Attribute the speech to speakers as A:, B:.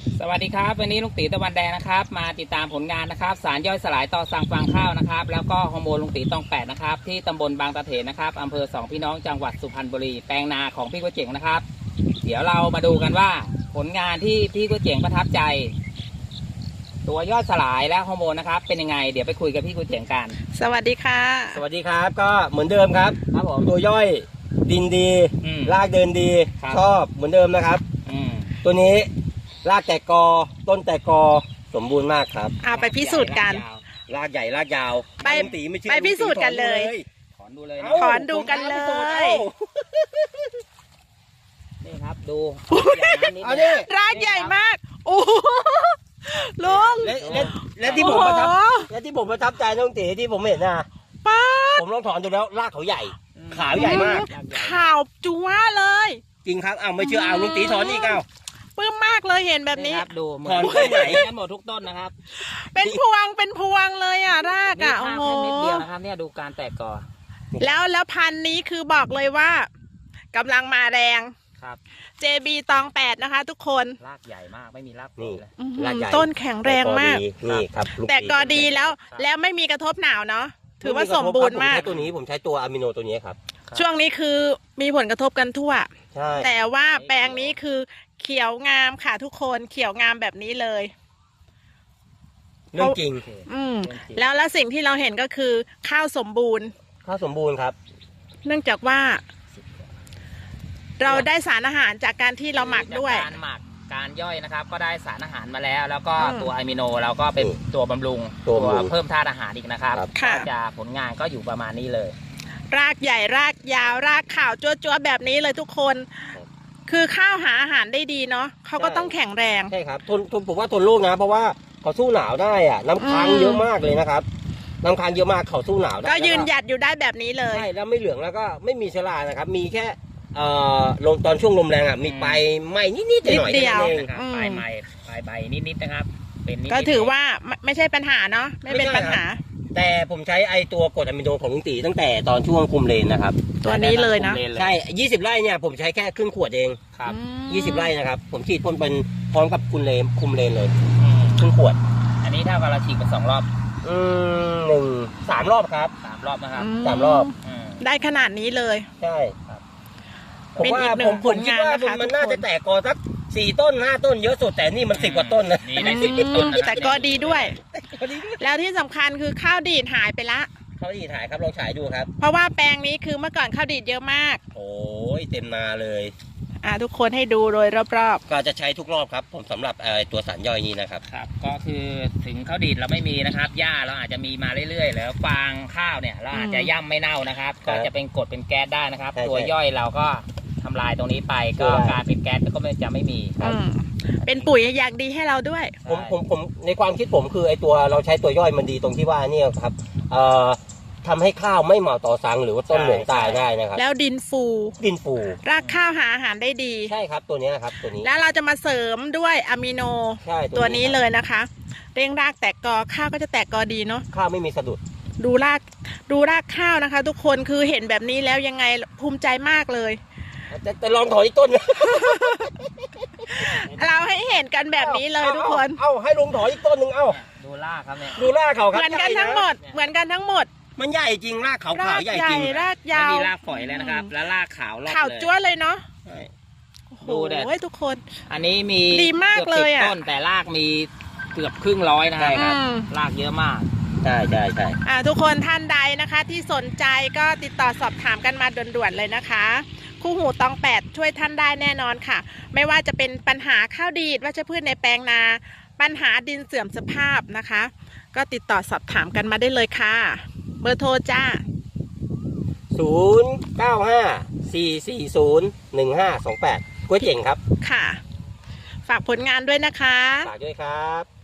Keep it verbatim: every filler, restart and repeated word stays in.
A: สวัสดีครับวันนี้ลุงตีตะวันแดงนะครับมาติดตามผลงานนะครับสารย่อยสลายต่อสั่งฟางข้าวนะครับแล้วก็ฮอร์โมนลุงตีตองแปดนะครับที่ตำบลบางตะเถนนะครับอำเภอสองพี่น้องจังหวัดสุพรรณบุรีแปลงนาของพี่ก๋วยเจ๋งนะครับเดี๋ยวเรามาดูกันว่าผลงานที่พี่ก๋วยเจ๋งประทับใจตัวย่อยสลายและฮอร์โมนนะครับเป็นยังไงเดี๋ยวไปคุยกับพี่ก๋วยเจ๋งกัน
B: สวัสดีค่ะ
C: สวัสดีครับก็เหมือนเดิมครับครับผมตัวย่อยดินดีรากเดินดีชอบเหมือนเดิมนะครับตัวนี้รากแตกกอต้นแตกกอสมบูรณ์มากครับ
B: เอาไปพิสูจน์กัน
C: รากใหญ่รากยาว
B: ไปไปพิสูจน์กันเลย
A: ถอนดูเลย
B: ถอนดูกันเลย
A: นี่ครับดู
B: รากใหญ่มากโอ้ลุง
C: และที่ผมประทับและที่ผมประทับใจน้องตีที่ผมเห็นนะ
B: ป้า
C: ผมลองถอนดูแล้วรากเขาใหญ่ขาวใหญ่มาก
B: ขาวจั๊วเลย
C: จริงครับเอาไม่เชื่อเอาลุงตีถอนอีกเอา
B: ปลื้มมากเลยเห็นแบบนี้
A: ดูเหมือนต้นไหนกันหมดทุกต้นนะครับ
B: เป็นพวงเป็นพวงเลยอ่ะรากอ่ะ
A: โอ้โหนิดเดียวนะครับเนี่ยดูการแตกกอ
B: แล้วแล้วพันธุ์นี้คือบอกเลยว่ากำลังมาแรง
A: ครับ
B: เจ บี ตองแปดนะคะทุกคน
A: รากใหญ่มากไม่มีราก
C: นี่
A: เลย
C: รากใหญ่
B: ต้นแข็งแรงมาก
C: นี่ครับ
B: แต่กอดีแล้วแล้วไม่มีกระทบหนาวเนาะถือว่าสมบูรณ์มาก
C: ตัวนี้ผมใช้ตัวอะมิโนตัวนี้ครับ
B: ช่วงนี้คือมีผลกระทบกันทั่วแต่ว่าแปลงนี้คือเขียวงามค่ะทุกคนเขียวงามแบบนี้เลย
C: เรื่องจริง
B: อืมแล้วแล้วสิ่งที่เราเห็นก็คือข้าวสมบูรณ์
C: ข้าวสมบูรณ์ครับ
B: เนื่องจากว่า เราได้สารอาหารจากการที่เราหมักด้วย
A: การหมักการย่อยนะครับก็ได้สารอาหารมาแล้วแล้วก็ตัวอะมิโนเราก็เป็นตัวบำรุงตัวเพิ่มธาตุอาหารอีกนะครับก็จะผลงานก็อยู่ประมาณนี้เลย
B: รากใหญ่รากยาวรากขาวจั๊วๆแบบนี้เลยทุกคนคือข้าวหาอาหารได้ดีเนาะเขาก็ต้องแข็งแรง
C: ใช่ครับทนทนผมว่าทนโรคนะเพราะว่าเขาสู้หนาวได้อะน้ำค้างเยอะมากเลยนะครับน้ำค้างเยอะมากเขาสู้หนาวได้
B: ก็ยืนหยัดอยู่ได้แบบนี้เลย
C: ใช่แล้วไม่เหลืองแล้วก็ไม่มีเชื้อรานะครับมีแค่เอ่อลมตอนช่วงลมแรงอ่ะมีปลายไหม้นิดๆหน่อยๆ
B: เดียว
A: ปลายไหม้ปลายใบนิดๆนะครับเป็น
B: ก็ถือว่าไม่ใช่ปัญหาเนาะไม่เป็นปัญหา
C: แต่ผมใช้ไอตัวกรดอะมิโนของลุงตีตั้งแต่ตอนช่วงคุมเลนนะครับ
B: ตัวนี้เลยนะ
C: ใช่ยี่สิบไร่เนี่ยผมใช้แค่ครึ่งขวดเอง
A: ครับ
C: ยี่สิบไร่นะครับผมฉีดพ่นเป็นพร้อมกับคุมเลนคุมเลนเลยครึ่งขวด
A: อันนี้เท่ากับเราฉีดไปสองรอบ
C: อืมหนึ่งสามรอบครับ
A: สามรอบนะครับ
C: สามรอบ
B: ได้ขนาดนี้เลย
C: ใช่ผมว่าผมผมคิดว่ามันน่าจะแตกกอสักสี่ต้นห้าต้นเยอะสุดแต่นี่มันสิบกว่าต้นนะ
A: นี่ได้สิบต้น
B: แต่ก็ดีด้วยแล้วที่สำคัญคือข้าวดีดหายไปละ
C: ข้าวดีดหายครับลองฉายดูครับ
B: เพราะว่าแปลงนี้คือเมื่อก่อนข้าวดีดเยอะมาก
C: โอ้ยเต็มนาเลย
B: อ่าทุกคนให้ดูโดยรอบ
C: ๆก็จะใช้ทุกรอบครับผมสำหรับตัวสารย่อยนี้นะครับ
A: ครับก็คือถึงข้าวดีดเราไม่มีนะครับหญ้าเราอาจจะมีมาเรื่อยๆแล้วฟางข้าวเนี่ยเราอาจจะย่ำไม่เน่านะครับก็จะเป็นกรดเป็นแก๊สได้นะครับตัวย่อยเราก็ทำลายตรงนี้ไปก็การเป็นแก๊สก็ไม่จะไม่มีครับ
B: เป็นปุ๋ยอย่างดีให้เราด้วย
C: ผมผมผมในความคิดผมคือไอตัวเราใช้ตัวย่อยมันดีตรงที่ว่านี่ครับเอ่อทำให้ข้าวไม่เหมาต่อสังหรือว่าต้นเหลืองตายได้นะครับ
B: แล้วดินฟู
C: ดินฟู
B: รากข้าวหาอาหารได้ดี
C: ใช่ครับตัวนี้นะครับตัวนี้
B: แล้วเราจะมาเสริมด้วยอะมิโนตัวนี้เลยนะคะเร่งรากแตกกอข้าวก็จะแตกกอดีเนาะ
C: ข้าวไม่มีสะดุด
B: ดูรากดูรากข้าวนะคะทุกคนคือเห็นแบบนี้แล้วยังไงภูมิใจมากเลย
C: แต่แต่ลองถอนอีกต้น
B: เราให้เห็นกันแบบนี้เลยทุกคน
C: เอ้าให้ลงถอนอีกต้นหนึ่งเอ้า
A: ดูรากครับเนี่ย
C: ดูรากเขาครับ
B: เหมือนกันทั้งหมดเหมือนกันทั้งหมด
C: มันใหญ่จริงรากขาวขาวใหญ่จริง
B: รากยาว
A: มีรากฝอยเลยนะครับแล้วรากขาวรอบเลย
B: ขาวจ้วเลยเนาะ
A: ดูเด็ด
B: ทุกคน
A: อันนี้มี
B: ดีมากเลยอ่ะ
A: ต้นแต่รากมีเกือบครึ่งร้อยนะครับรากเยอะมาก
C: ใช่ใช่ใช่
B: อ่าทุกคนท่านใดนะคะที่สนใจก็ติดต่อสอบถามกันมาด่วนๆเลยนะคะคู่หูตองแปดช่วยท่านได้แน่นอนค่ะไม่ว่าจะเป็นปัญหาข้าวดีดวัชพืชในแปลงนาปัญหาดินเสื่อมสภาพนะคะก็ติดต่อสอบถามกันมาได้เลยค่ะเบอร์โทรจ้า
C: ศูนย์เก้าห้าสี่สี่ศูนย์หนึ่งห้าสองแปดก๋วยเจ๋งครับ
B: ค่ะฝากผลงานด้วยนะคะ
C: ฝากด้วยครับ